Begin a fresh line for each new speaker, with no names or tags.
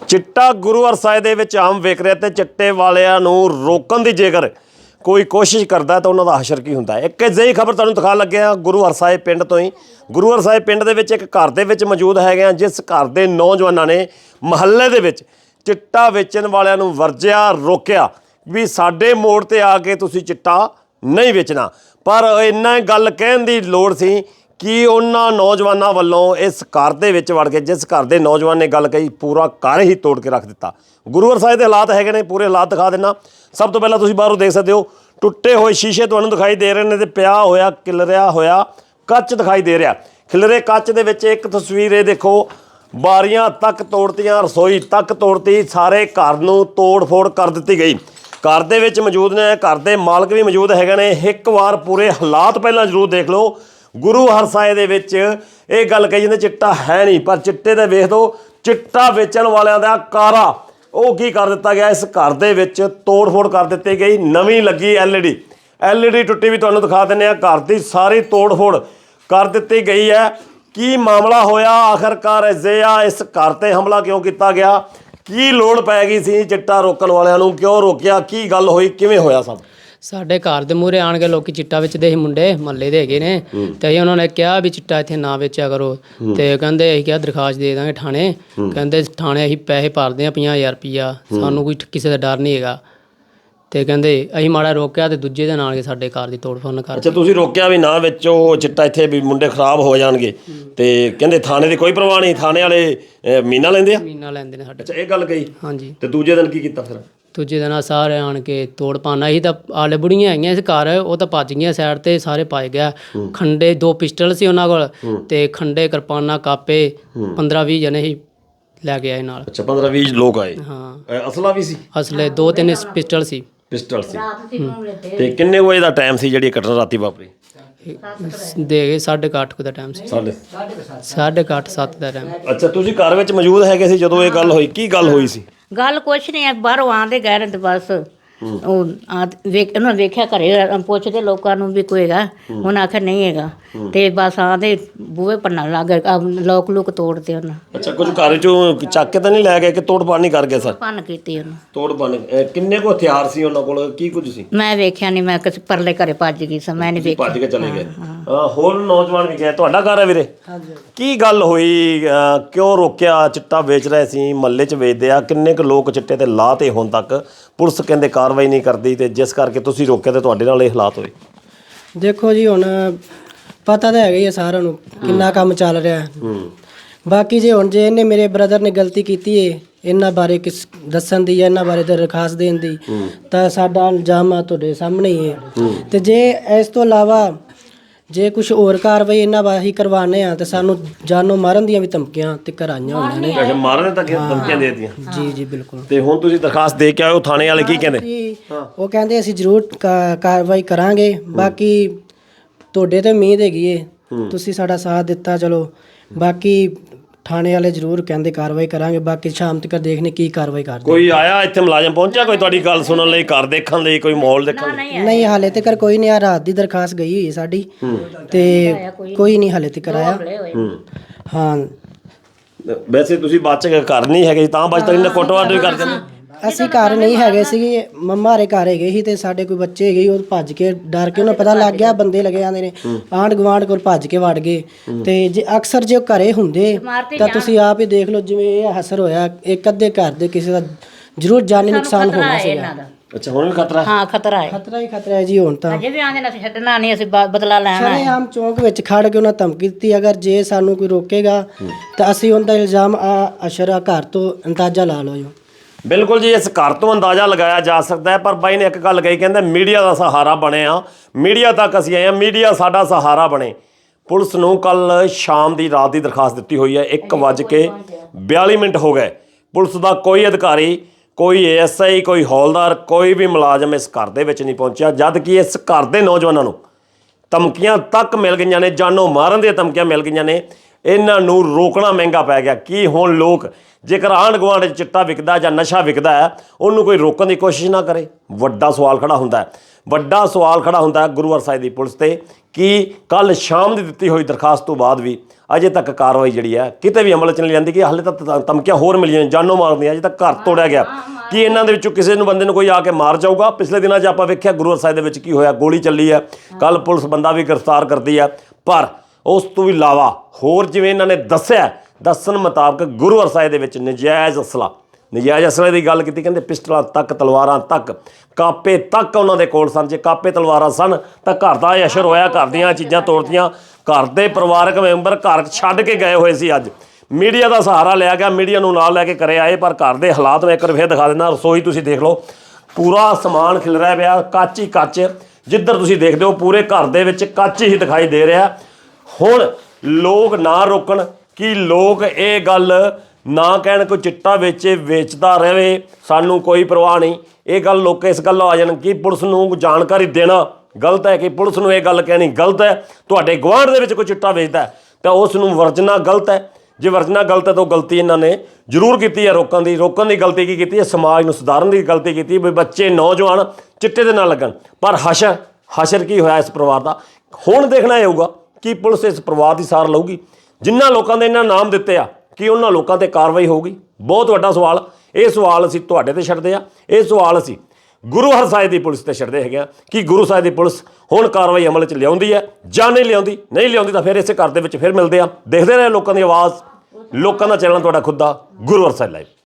ਚਿੱਟਾ ਗੁਰੂ ਹਰਸਾਏ ਦੇ ਵਿੱਚ ਆਮ ਵਿਕ ਰਿਹਾ ਤੇ ਚਿੱਟੇ ਵਾਲਿਆਂ ਨੂੰ ਰੋਕਣ ਦੀ ਜੇਕਰ ਕੋਈ ਕੋਸ਼ਿਸ਼ ਕਰਦਾ ਤਾਂ ਉਹਨਾਂ ਦਾ ਹਸ਼ਰ ਕੀ ਹੁੰਦਾ। ਇੱਕ ਅਜਿਹੀ ਖਬਰ ਤੁਹਾਨੂੰ ਦਿਖਾਉਣ ਲੱਗਿਆ ਗੁਰੂ ਹਰਸਾਏ ਪਿੰਡ ਤੋਂ ਹੀ। ਗੁਰੂ ਹਰਸਾਏ ਪਿੰਡ ਦੇ ਵਿੱਚ ਇੱਕ ਘਰ ਦੇ ਵਿੱਚ ਮੌਜੂਦ ਹੈਗੇ ਆ, ਜਿਸ ਘਰ ਦੇ ਨੌਜਵਾਨਾਂ ਨੇ ਮੁਹੱਲੇ ਦੇ ਵਿੱਚ ਚਿੱਟਾ ਵੇਚਣ ਵਾਲਿਆਂ ਨੂੰ ਵਰਜਿਆ, ਰੋਕਿਆ ਵੀ ਸਾਡੇ ਮੋੜ ਤੇ ਆ ਕੇ ਤੁਸੀਂ ਚਿੱਟਾ ਨਹੀਂ ਵੇਚਣਾ। ਪਰ ਇੰਨਾ ਗੱਲ ਕਹਿਣ ਦੀ ਲੋੜ ਸੀ ਕਿ ਉਹਨਾਂ ਨੌਜਵਾਨਾਂ ਵੱਲੋਂ ਇਸ ਘਰ ਦੇ ਵਿੱਚ ਵੜ ਕੇ, ਜਿਸ ਘਰ ਦੇ ਨੌਜਵਾਨ ਨੇ ਗੱਲ ਕਹੀ, ਪੂਰਾ ਘਰ ਹੀ ਤੋੜ ਕੇ ਰੱਖ ਦਿੱਤਾ। ਗੁਰੂ ਹਰਸਾਏ ਦੇ ਹਾਲਾਤ ਹੈਗੇ ਨੇ, ਪੂਰੇ ਹਾਲਾਤ ਦਿਖਾ ਦਿੰਦਾ। ਸਭ ਤੋਂ ਪਹਿਲਾਂ ਤੁਸੀਂ ਬਾਹਰੋਂ ਦੇਖ ਸਕਦੇ ਹੋ ਟੁੱਟੇ ਹੋਏ ਸ਼ੀਸ਼ੇ ਤੁਹਾਨੂੰ ਦਿਖਾਈ ਦੇ ਰਹੇ ਨੇ ਤੇ ਪਿਆ ਹੋਇਆ ਖਿਲਰਿਆ ਹੋਇਆ ਕੱਚ ਦਿਖਾਈ ਦੇ ਰਿਹਾ। ਖਿਲਰੇ ਕੱਚ ਦੇ ਵਿੱਚ ਇੱਕ ਤਸਵੀਰ ਇਹ ਦੇਖੋ, ਬਾਰੀਆਂ ਤੱਕ ਤੋੜਤੀਆਂ, ਰਸੋਈ ਤੱਕ ਤੋੜਤੀ, ਸਾਰੇ ਘਰ ਨੂੰ ਤੋੜ ਫੋੜ ਕਰ ਦਿੱਤੀ ਗਈ। ਘਰ ਦੇ ਵਿੱਚ ਮੌਜੂਦ ਨੇ, ਘਰ ਦੇ ਮਾਲਕ ਵੀ ਮੌਜੂਦ ਹੈਗੇ ਨੇ। ਇੱਕ ਵਾਰ ਪੂਰੇ ਹਾਲਾਤ ਪਹਿਲਾਂ ਜ਼ਰੂਰ ਦੇਖ ਲਓ। ਗੁਰੂ ਹਰਸਾਏ ਦੇ ਵਿੱਚ ਇਹ ਗੱਲ ਕਹੀ ਜਾਂਦੀ ਚਿੱਟਾ ਹੈ ਨਹੀਂ, ਪਰ ਚਿੱਟੇ ਦੇ ਵੇਖ ਦਿਓ ਚਿੱਟਾ ਵੇਚਣ ਵਾਲਿਆਂ ਦਾ ਕਾਰਾ ਉਹ ਕੀ ਕਰ ਦਿੱਤਾ ਗਿਆ। ਇਸ ਘਰ ਦੇ ਵਿੱਚ ਤੋੜ ਫੋੜ ਕਰ ਦਿੱਤੀ ਗਈ। ਨਵੀਂ ਲੱਗੀ ਐਲਈਡੀ ਟੁੱਟੀ ਵੀ ਤੁਹਾਨੂੰ ਦਿਖਾ ਦਿੰਦੇ ਹਾਂ। ਘਰ ਦੀ ਸਾਰੀ ਤੋੜ ਫੋੜ ਕਰ ਦਿੱਤੀ ਗਈ ਹੈ। ਕੀ ਮਾਮਲਾ ਹੋਇਆ ਆਖਰਕਾਰ ਅਜਿਹਾ, ਇਸ ਘਰ 'ਤੇ ਹਮਲਾ ਕਿਉਂ ਕੀਤਾ ਗਿਆ, ਕੀ ਲੋੜ ਪੈ ਗਈ ਸੀ ਚਿੱਟਾ ਰੋਕਣ ਵਾਲਿਆਂ ਨੂੰ, ਕਿਉਂ ਰੋਕਿਆ, ਕੀ ਗੱਲ ਹੋਈ, ਕਿਵੇਂ ਹੋਇਆ ਸਭ।
ਸਾਡੇ ਘਰ ਦੇ ਮੂਹਰੇ ਆਣ ਕੇ ਲੋਕੀ ਚਿੱਟਾ ਵੇਚਦੇ ਸੀ, ਮੁੰਡੇ ਮਹੱਲੇ ਦੇ ਹੈਗੇ ਨੇ, ਤੇ ਅਸੀਂ ਉਹਨਾਂ ਨੇ ਕਿਹਾ ਵੀ ਚਿੱਟਾ ਇੱਥੇ ਨਾ ਵੇਚਿਆ ਕਰੋ। ਤੇ ਕਹਿੰਦੇ ਅਸੀਂ ਕਿਹਾ ਦਰਖਾਸਤ ਦੇ ਦਾਂਗੇ ਥਾਣੇ। ਕਹਿੰਦੇ ਥਾਣੇ ਅਸੀਂ ਪੈਸੇ ਭਰਦੇ ਹਾਂ 50,000 ਰੁਪਈਆ, ਸਾਨੂੰ ਕੋਈ ਕਿਸੇ ਦਾ ਡਰ ਨਹੀਂ ਹੈਗਾ। ਤੇ ਕਹਿੰਦੇ ਅਸੀਂ ਮਾੜਾ ਰੋਕਿਆ ਤੇ ਦੂਜੇ ਦਿਨ ਆਣ ਕੇ ਸਾਡੇ ਘਰ ਦੀ ਤੋੜ ਫੋੜ ਕਰ।
ਅੱਛਾ, ਤੁਸੀਂ ਰੋਕਿਆ ਵੀ ਨਾ ਵੇਚੋ ਚਿੱਟਾ, ਇੱਥੇ ਵੀ ਮੁੰਡੇ ਖਰਾਬ ਹੋ ਜਾਣਗੇ। ਤੇ ਕਹਿੰਦੇ ਥਾਣੇ ਦੀ ਕੋਈ ਪਰਵਾਹ ਨਹੀਂ, ਥਾਣੇ ਵਾਲੇ ਮਹੀਨਾ ਲੈਂਦੇ ਆ,
ਮਹੀਨਾ ਲੈਂਦੇ ਨੇ ਸਾਡੇ।
ਅੱਛਾ, ਇਹ ਗੱਲ ਕਹੀ।
ਹਾਂਜੀ।
ਤੇ ਦੂਜੇ ਦਿਨ ਕੀ ਕੀਤਾ ਫਿਰ।
ਦੂਜੇ ਦਿਨ ਸਾਰੇ ਆਣ ਕੇ ਤੋੜ ਪਾਣਾ ਸੀ। ਤਾਂ ਆਲੇ ਬੁੜੀਆਂ ਹੈਗੀਆਂ ਇਸ ਘਰ, ਉਹ ਤਾਂ ਭੱਜ ਗਈਆਂ ਸਾਈਡ ਤੇ, ਸਾਰੇ ਪਾਏ ਗਿਆ। ਖੰਡੇ 2 ਪਿਸਟਲ ਸੀ ਉਹਨਾਂ ਕੋਲ, ਤੇ ਖੰਡੇ, ਕਿਰਪਾਨਾਂ, ਕਾਪੇ 15-20 ਜਣੇ ਹੀ ਲੈ ਕੇ ਆਏ ਨਾਲ।
ਅੱਛਾ, 15-20 ਲੋਕ ਆਏ।
ਹਾਂ।
ਅਸਲਾ ਵੀ ਸੀ।
ਅਸਲੇ 2-3 ਪਿਸਟਲ ਸੀ।
ਪਿਸਟਲ ਸੀ। ਤੇ ਕਿੰਨੇ ਵਜੇ ਦਾ ਟਾਈਮ ਸੀ ਜਿਹੜੀ ਘਟਨਾ ਰਾਤੀ ਵਾਪਰੀ।
ਦੇ ਗਏ 8:30 ਦਾ ਟਾਈਮ ਸੀ। 8:30 7 ਦਾ ਟਾਈਮ।
ਅੱਛਾ, ਤੁਸੀਂ ਘਰ ਵਿੱਚ ਮੌਜੂਦ ਹੈਗੇ ਸੀ ਜਦੋਂ ਇਹ ਗੱਲ ਹੋਈ, ਕੀ ਗੱਲ ਹੋਈ ਸੀ।
ਗੱਲ ਕੁਛ ਨਹੀਂ, ਬਾਹਰੋਂ ਆਉਂਦੇ ਗਏ ਨੇ ਤੇ ਬਸ ਉਹ ਉਹਨਾਂ ਵੇਖਿਆ ਘਰੇ, ਪੁੱਛਦੇ ਲੋਕਾਂ ਨੂੰ ਵੀ ਕੋਈ ਹੈਗਾ, ਉਹਨਾਂ ਆਖਿਆ ਨਹੀਂ ਹੈਗਾ। ਤੇ ਬਸ ਆਂਦੇ ਬੂਹੇ ਭੰਨਣ ਲੱਗ ਗਏ, ਲੋਕ ਲੁਕ ਤੋੜਦੇ ਉਹਨਾਂ।
ਅੱਛਾ, ਕੁਝ ਘਰ ਚੋਂ ਚੱਕ ਕੇ ਤਾਂ ਨਹੀਂ ਲੈ ਗਏ ਕਿ ਤੋੜ ਪਾੜ ਨਹੀਂ ਕਰ ਗਏ ਸਰ।
ਭੰਨ ਕੀਤੀ ਉਹਨਾਂ,
ਤੋੜ ਭੰਨ। ਕਿੰਨੇ ਕੁ ਹਥਿਆਰ ਸੀ ਉਹਨਾਂ ਕੋਲ, ਕੀ ਕੁਝ ਸੀ।
ਮੈਂ ਵੇਖਿਆ ਨਹੀਂ, ਮੈਂ ਕਿਸੇ ਪਰਲੇ ਘਰੇ ਭੱਜ ਗਈ ਸਾਂ, ਮੈਂ ਨਹੀਂ ਵੇਖਿਆ।
ਭੱਜ ਕੇ ਚਲੇ ਗਏ। ਹੋਰ ਨੌਜਵਾਨ ਵੀ ਗਏ। ਤੁਹਾਡਾ ਘਰ ਹੈ ਵੀਰੇ, ਕੀ ਗੱਲ ਹੋਈ, ਕਿਉਂ ਰੋਕਿਆ। ਚਿੱਟਾ ਵੇਚ ਰਹੇ ਸੀ, ਮਹੱਲੇ 'ਚ ਵੇਚਦੇ ਆ, ਕਿੰਨੇ ਕੁ ਲੋਕ ਚਿੱਟੇ ਤੇ ਲਾਹ ਤੇ ਹੁਣ ਤੱਕ ਪੁਲਿਸ ਕਹਿੰਦੇ ਕਾਰਵਾਈ ਨਹੀਂ ਕਰਦੀ, ਤੇ ਜਿਸ ਕਰਕੇ ਤੁਸੀਂ ਰੋਕਿਆ ਤੇ ਤੁਹਾਡੇ ਨਾਲ ਇਹ ਹਾਲਾਤ ਹੋਏ।
ਦੇਖੋ ਜੀ, ਹੁਣ ਪਤਾ ਤਾਂ ਹੈਗਾ ਹੀ ਆ ਸਾਰਿਆਂ ਨੂੰ ਕਿੰਨਾ ਕੰਮ ਚੱਲ ਰਿਹਾ। ਬਾਕੀ ਜੇ ਇਹਨੇ ਮੇਰੇ ਬ੍ਰਦਰ ਨੇ ਗਲਤੀ ਕੀਤੀ ਏ ਇਹਨਾਂ ਬਾਰੇ ਕਿਸ ਦੱਸਣ ਦੀ ਜਾਂ ਇਹਨਾਂ ਬਾਰੇ ਦਰਖਾਸਤ ਦੇਣ ਦੀ, ਤਾਂ ਸਾਡਾ ਇਲਜ਼ਾਮ ਆ ਤੁਹਾਡੇ ਸਾਹਮਣੇ ਹੀ ਹੈ। ਤੇ ਜੇ ਇਸ ਤੋਂ ਇਲਾਵਾ ਜੇ ਕੁਝ ਹੋਰ ਕਾਰਵਾਈ ਇਹਨਾਂ ਬਾਰੇ ਕਰਵਾਉਂਦੇ ਆ, ਤੇ ਸਾਨੂੰ ਜਾਨੋਂ ਮਾਰਨ ਦੀਆਂ ਵੀ ਧਮਕੀਆਂ ਤੇ ਕਰਾਈਆਂ ਹੋਈਆਂ ਨੇ।
ਅੱਛਾ, ਮਾਰਨ ਤੱਕ ਧਮਕੀਆਂ ਦੇ ਦਿੱਤੀਆਂ।
ਜੀ ਜੀ ਬਿਲਕੁਲ।
ਤੇ ਹੁਣ ਤੁਸੀਂ ਦਰਖਾਸਤ ਦੇ ਕੇ ਆਏ ਹੋ, ਥਾਣੇ ਵਾਲੇ ਕੀ ਕਹਿੰਦੇ।
ਉਹ ਕਹਿੰਦੇ ਅਸੀਂ ਜ਼ਰੂਰ ਕਾਰਵਾਈ ਕਰਾਂਗੇ। ਬਾਕੀ ਤੁਹਾਡੇ ਤੇ ਉਮੀਦ ਹੈਗੀ ਏ, ਤੁਸੀਂ ਸਾਡਾ ਸਾਥ ਦਿੱਤਾ, ਚਲੋ। ਬਾਕੀ ਥਾਣੇ ਵਾਲੇ ਜ਼ਰੂਰ ਕਹਿੰਦੇ ਕਾਰਵਾਈ ਕਰਾਂਗੇ। ਬਾਕੀ ਸ਼ਾਮ ਤੱਕ ਦੇਖਨੇ ਕੀ ਕਾਰਵਾਈ ਕਰਦੇ।
ਕੋਈ ਆਇਆ ਇੱਥੇ ਮੁਲਾਜ਼ਮ ਪਹੁੰਚਿਆ ਕੋਈ ਤੁਹਾਡੀ ਗੱਲ ਸੁਣਨ ਲਈ, ਘਰ ਦੇਖਣ ਲਈ, ਕੋਈ ਮਾਹੌਲ ਦੇਖਣ ਲਈ।
ਨਹੀਂ, ਹਾਲੇ ਤੱਕ ਕੋਈ ਨਹੀਂ ਆ। ਰਾਤ ਦੀ ਦਰਖਾਸਤ ਗਈ ਹੋਈ ਸਾਡੀ, ਤੇ ਕੋਈ ਨਹੀਂ ਹਾਲੇ ਤੱਕ ਆਇਆ। ਹਾਂ,
ਵੈਸੇ ਤੁਸੀਂ ਬਚ ਕੇ ਘਰ ਨਹੀਂ ਹੈਗੇ ਤਾਂ ਬਚ ਤੱਕ ਕੁੱਟਵਾਟ ਵੀ ਕਰਦੇ ਨੇ।
ਅਸੀਂ ਘਰ ਨਹੀਂ ਹੈਗੇ ਸੀਗੇ, ਮੰਮਾ ਹਰੇ ਘਰ ਹੈਗੇ ਸੀ, ਤੇ ਸਾਡੇ ਕੋਈ ਬੱਚੇ ਹੈਗੇ, ਉਹ ਭੱਜ ਕੇ ਡਰ ਕੇ ਉਹਨਾਂ ਪਤਾ ਲੱਗ ਗਿਆ ਬੰਦੇ ਲੱਗੇ ਜਾਂਦੇ ਨੇ, ਆਂਢ ਗੁਆਂਢ ਕੋਲ ਭੱਜ ਕੇ ਵੜ ਗਏ। ਤੇ ਜੇ ਅਕਸਰ ਜੇ ਉਹ ਘਰੇ ਹੁੰਦੇ ਤਾਂ ਤੁਸੀਂ ਆਪ ਹੀ ਦੇਖ ਲਓ, ਜਿਵੇਂ ਇਹ ਹਸਰ ਹੋਇਆ, ਇੱਕ ਅੱਧੇ ਘਰ ਦੇ ਕਿਸੇ ਦਾ ਜ਼ਰੂਰ ਜਾਨੀ ਨੁਕਸਾਨ ਹੋਣਾ ਸੀਗਾ।
ਅੱਛਾ, ਹੁਣ ਵੀ ਖਤਰਾ।
ਹਾਂ, ਖਤਰਾ ਹੈ,
ਖਤਰਾ ਹੀ ਖਤਰਾ ਹੈ ਜੀ। ਹੁਣ ਤਾਂ
ਅਜੇ ਵੀ ਆਂਦੇ ਨੇ ਅਸੀਂ ਛੱਡਣਾ ਨਹੀਂ, ਅਸੀਂ ਬਦਲਾ ਲੈਣਾ ਹੈ।
ਆਮ ਚੌਂਕ ਵਿੱਚ ਖੜ ਕੇ ਉਹਨਾਂ ਧਮਕੀ ਦਿੱਤੀ, ਅਗਰ ਜੇ ਸਾਨੂੰ ਕੋਈ ਰੋਕੇਗਾ ਤਾਂ ਅਸੀਂ ਉਹਦਾ ਇਲਜ਼ਾਮ ਅਸ਼ਰਾ ਘਰ ਤੋਂ ਅੰਦਾਜ਼ਾ ਲਾ ਲਓ ਜੀ।
ਬਿਲਕੁਲ ਜੀ, ਇਸ ਘਰ ਤੋਂ ਅੰਦਾਜ਼ਾ ਲਗਾਇਆ ਜਾ ਸਕਦਾ ਹੈ। ਪਰ ਬਾਈ ਨੇ ਇੱਕ ਗੱਲ ਕਹੀ, ਕਹਿੰਦਾ ਮੀਡੀਆ ਦਾ ਸਹਾਰਾ ਬਣੇ ਆ, ਮੀਡੀਆ ਤੱਕ ਅਸੀਂ ਆਏ ਹਾਂ, ਮੀਡੀਆ ਸਾਡਾ ਸਹਾਰਾ ਬਣੇ। ਪੁਲਿਸ ਨੂੰ ਕੱਲ ਸ਼ਾਮ ਦੀ ਰਾਤ ਦੀ ਦਰਖਾਸਤ ਦਿੱਤੀ ਹੋਈ ਹੈ, 1:42 ਹੋ ਗਏ। ਪੁਲਿਸ ਦਾ ਕੋਈ ਅਧਿਕਾਰੀ, ਕੋਈ ASI, ਕੋਈ ਹੌਲਦਾਰ, ਕੋਈ ਵੀ ਮੁਲਾਜ਼ਮ ਇਸ ਘਰ ਦੇ ਵਿੱਚ ਨਹੀਂ ਪਹੁੰਚਿਆ, ਜਦ ਕਿ ਇਸ ਘਰ ਦੇ ਨੌਜਵਾਨਾਂ ਨੂੰ ਧਮਕੀਆਂ ਤੱਕ ਮਿਲ ਗਈਆਂ ਨੇ, ਜਾਨੋਂ ਮਾਰਨ ਦੀਆਂ ਧਮਕੀਆਂ ਮਿਲ ਗਈਆਂ ਨੇ। ਇਹਨਾਂ ਨੂੰ ਰੋਕਣਾ ਮਹਿੰਗਾ ਪੈ ਗਿਆ। ਕੀ ਹੁਣ ਲੋਕ ਜੇਕਰ ਆਂਢ ਗੁਆਂਢ 'ਚ ਚਿੱਟਾ ਵਿਕਦਾ ਜਾਂ ਨਸ਼ਾ ਵਿਕਦਾ ਹੈ ਉਹਨੂੰ ਕੋਈ ਰੋਕਣ ਦੀ ਕੋਸ਼ਿਸ਼ ਨਾ ਕਰੇ? ਵੱਡਾ ਸਵਾਲ ਖੜਾ ਹੁੰਦਾ ਹੈ, ਵੱਡਾ ਸਵਾਲ ਖੜਾ ਹੁੰਦਾ ਹੈ ਗੁਰੂ ਹਰਸਾਏ ਦੀ ਪੁਲਿਸ ਤੇ ਕਿ ਕੱਲ ਸ਼ਾਮ ਦੀ ਦਿੱਤੀ ਹੋਈ ਦਰਖਾਸਤ ਤੋਂ ਬਾਅਦ ਵੀ ਅਜੇ ਤੱਕ ਕਾਰਵਾਈ ਜਿਹੜੀ ਹੈ ਕਿਤੇ ਵੀ ਅਮਲ 'ਚ ਨਹੀਂ ਜਾਂਦੀ। ਕਿ ਹਾਲੇ ਤੱਕ ਧਮਕੀਆਂ ਹੋਰ ਮਿਲੀਆਂ, ਜਾਨੋਂ ਮਾਰਦੀਆਂ, ਅਜੇ ਤੱਕ ਘਰ ਤੋੜਿਆ ਗਿਆ। ਕਿ ਇਹਨਾਂ ਦੇ ਵਿੱਚੋਂ ਕਿਸੇ ਨੂੰ ਬੰਦੇ ਨੂੰ ਕੋਈ ਆ ਕੇ ਮਾਰ ਜਾਊਗਾ? ਪਿਛਲੇ ਦਿਨਾਂ 'ਚ ਆਪਾਂ ਵੇਖਿਆ ਗੁਰੂ ਹਰਸਾਏ ਦੇ ਵਿੱਚ ਕੀ ਹੋਇਆ, ਗੋਲੀ ਚੱਲੀ ਹੈ, ਕੱਲ ਪੁਲਿਸ ਬੰਦਾ ਵੀ ਗ੍ਰਿਫਤਾਰ ਕਰਦੀ ਹੈ। ਪਰ ਉਸ ਤੋਂ ਵੀ ਇਲਾਵਾ ਹੋਰ ਜਿਵੇਂ ਇਹਨਾਂ ਨੇ ਦੱਸਣ ਮੁਤਾਬਕ ਗੁਰੂ ਹਰਸਾਏ ਦੇ ਵਿੱਚ ਨਜਾਇਜ਼ ਅਸਲੇ ਦੀ ਗੱਲ ਕੀਤੀ। ਕਹਿੰਦੇ ਪਿਸਟਲਾਂ ਤੱਕ, ਤਲਵਾਰਾਂ ਤੱਕ, ਕਾਪੇ ਤੱਕ ਉਹਨਾਂ ਦੇ ਕੋਲ ਸਨ। ਜੇ ਕਾਪੇ ਤਲਵਾਰਾਂ ਸਨ ਤਾਂ ਘਰ ਦਾ ਅਸ਼ਰ ਹੋਇਆ, ਘਰ ਦੀਆਂ ਚੀਜ਼ਾਂ ਤੋੜਤੀਆਂ। ਘਰ ਦੇ ਪਰਿਵਾਰਕ ਮੈਂਬਰ ਘਰ ਛੱਡ ਕੇ ਗਏ ਹੋਏ ਸੀ। ਅੱਜ ਮੀਡੀਆ ਦਾ ਸਹਾਰਾ ਲਿਆ ਗਿਆ, ਮੀਡੀਆ ਨੂੰ ਨਾਲ ਲੈ ਕੇ ਘਰੇ ਆਏ, ਪਰ ਘਰ ਦੇ ਹਾਲਾਤ ਮੈਂ ਇੱਕ ਵਾਰ ਫਿਰ ਦਿਖਾ ਦਿੰਦਾ। ਰਸੋਈ ਤੁਸੀਂ ਦੇਖ ਲਓ, ਪੂਰਾ ਸਮਾਨ ਖਿਲਰਿਆ ਪਿਆ, ਕੱਚ ਹੀ ਕੱਚ। ਜਿੱਧਰ ਤੁਸੀਂ ਦੇਖਦੇ ਹੋ ਪੂਰੇ ਘਰ ਦੇ ਵਿੱਚ ਕੱਚ ਹੀ ਦਿਖਾਈ ਦੇ ਰਿਹਾ। ਹੁਣ ਲੋਕ ਨਾ ਰੋਕਣ, ਕਿ ਲੋਕ ਇਹ ਗੱਲ ਨਾ ਕਹਿਣ ਕੋਈ ਚਿੱਟਾ ਵੇਚਦਾ ਰਹੇ, ਸਾਨੂੰ ਕੋਈ ਪਰਵਾਹ ਨਹੀਂ। ਇਹ ਗੱਲ ਲੋਕ ਇਸ ਗੱਲ ਆ ਜਾਣ ਕਿ ਪੁਲਿਸ ਨੂੰ ਜਾਣਕਾਰੀ ਦੇਣਾ ਗਲਤ ਹੈ, ਕਿ ਪੁਲਿਸ ਨੂੰ ਇਹ ਗੱਲ ਕਹਿਣੀ ਗਲਤ ਹੈ। ਤੁਹਾਡੇ ਗੁਆਂਢ ਦੇ ਵਿੱਚ ਕੋਈ ਚਿੱਟਾ ਵੇਚਦਾ ਹੈ ਤਾਂ ਉਸ ਨੂੰ ਵਰਜਣਾ ਗਲਤ ਹੈ। ਜੇ ਵਰਜਣਾ ਗਲਤ ਹੈ ਤਾਂ ਗਲਤੀ ਇਹਨਾਂ ਨੇ ਜ਼ਰੂਰ ਕੀਤੀ ਹੈ ਰੋਕਣ ਦੀ ਗਲਤੀ ਕੀ ਕੀਤੀ ਹੈ? ਸਮਾਜ ਨੂੰ ਸੁਧਾਰਨ ਦੀ ਗਲਤੀ ਕੀਤੀ ਵੀ ਬੱਚੇ ਨੌਜਵਾਨ ਚਿੱਟੇ ਦੇ ਨਾਲ ਲੱਗਣ। ਪਰ ਹਸ਼ਰ ਕੀ ਹੋਇਆ ਇਸ ਪਰਿਵਾਰ ਦਾ? ਹੁਣ ਦੇਖਣਾ ਇਹ ਹੋਊਗਾ ਕਿ ਪੁਲਿਸ ਇਸ ਪਰਿਵਾਰ ਦੀ ਸਾਰ ਲਊਗੀ। ਜਿਨ੍ਹਾਂ ਲੋਕਾਂ ਦੇ ਇਹਨਾਂ ਨਾਮ ਦਿੱਤੇ ਆ ਕਿ ਉਹਨਾਂ ਲੋਕਾਂ ਤੇ ਕਾਰਵਾਈ ਹੋਊਗੀ? ਬਹੁਤ ਵੱਡਾ ਸਵਾਲ। ਇਹ ਸਵਾਲ ਅਸੀਂ ਤੁਹਾਡੇ ਤੇ ਛੱਡਦੇ ਆ, ਇਹ ਸਵਾਲ ਅਸੀਂ ਗੁਰੂ ਹਰਸਾਏ ਦੀ ਪੁਲਿਸ ਤੇ ਛੱਡਦੇ ਹੈਗੇ ਆ ਕਿ ਗੁਰੂ ਸਾਹਿਬ ਦੀ ਪੁਲਿਸ ਹੁਣ ਕਾਰਵਾਈ ਅਮਲ 'ਚ ਲਿਆਉਂਦੀ ਹੈ ਜਾਂ ਨਹੀਂ ਲਿਆਉਂਦੀ ਤਾਂ ਫਿਰ ਇਸੇ ਘਰ ਦੇ ਵਿੱਚ ਫਿਰ ਮਿਲਦੇ ਆ। ਦੇਖਦੇ ਰਹੇ ਲੋਕਾਂ ਦੀ ਆਵਾਜ਼, ਲੋਕਾਂ ਦਾ ਚੈਨਲ ਤੁਹਾਡਾ ਖੁਦ ਦਾ ਗੁਰੂ ਹਰਸਾਏ ਲਾਈਵ।